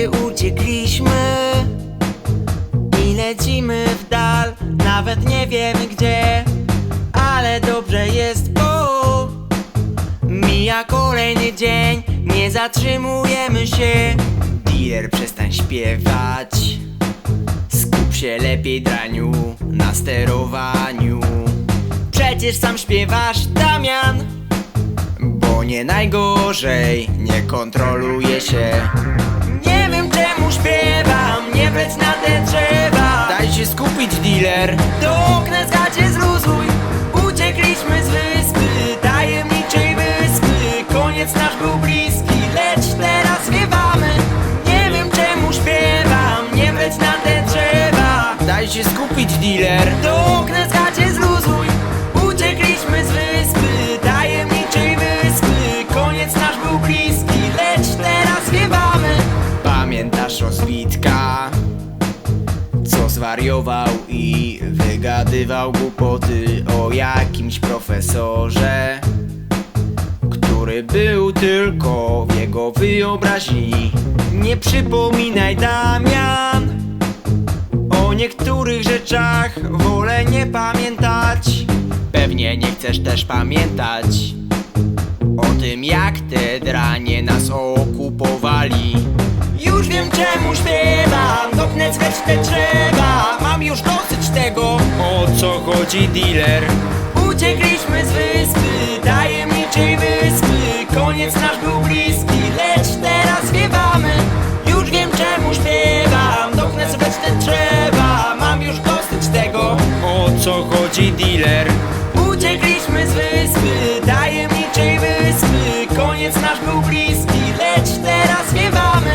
wyspy uciekliśmy i lecimy w dal, nawet nie wiemy gdzie, ale dobrze jest, bo mija kolejny dzień, nie zatrzymujemy się. Dealer, przestań śpiewać, skup się lepiej, draniu, na sterowaniu. Przecież sam śpiewasz, Damian, bo nie najgorzej, nie kontroluje się. Nie wiem czemu śpiewam, nie wleć na te drzewa. Daj się skupić, dealer, do okna zgacie zluzuj. Uciekliśmy z wyspy, tajemniczej wyspy. Koniec nasz był bliski, lecz teraz wiewamy. Nie wiem czemu śpiewam, nie wleć na te drzewa. Daj się skupić, dealer, do okna zgacie zluzuj. Uciekliśmy z wyspy, tajemniczej wyspy. Koniec nasz był bliski, lecz teraz wiewamy. Pamiętasz rozbitka, co zwariował i wygadywał głupoty o jakimś profesorze, który był tylko w jego wyobraźni. Nie przypominaj, Damian, o niektórych rzeczach wolę nie pamiętać. Pewnie nie chcesz też pamiętać o tym, jak te dranie nas okupowali. Już wiem czemu śpiewam, dopnę zwecz te drzewa. Mam już dosyć tego, o co chodzi, dealer. Uciekliśmy z wyspy, tajemniczej wyspy. Koniec nasz był bliski, lecz teraz wiewamy. Już wiem czemu śpiewam, dopnę zwecz te drzewa. Mam już dosyć tego, o co chodzi, dealer. Uciekliśmy z wyspy, tajemniczej wyspy. Koniec nasz był bliski, lecz teraz wiewamy.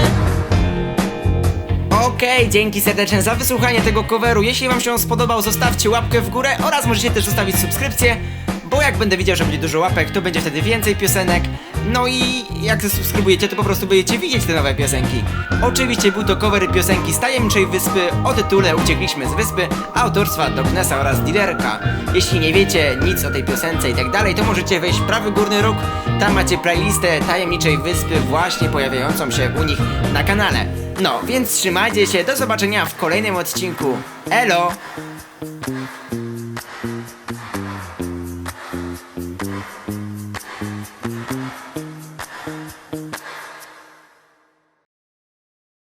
Okej, dzięki serdeczne za wysłuchanie tego coveru. Jeśli wam się on spodobał, zostawcie łapkę w górę oraz możecie też zostawić subskrypcję, bo jak będę widział, że będzie dużo łapek, to będzie wtedy więcej piosenek. No i jak zasubskrybujecie, to po prostu będziecie widzieć te nowe piosenki. Oczywiście był to cover piosenki z tajemniczej wyspy o tytule Uciekliśmy z wyspy, autorstwa Doknesa oraz Dealerka. Jeśli nie wiecie nic o tej piosence i tak dalej, to możecie wejść w prawy górny róg. Tam macie playlistę tajemniczej wyspy właśnie pojawiającą się u nich na kanale. No, więc trzymajcie się, do zobaczenia w kolejnym odcinku. Elo!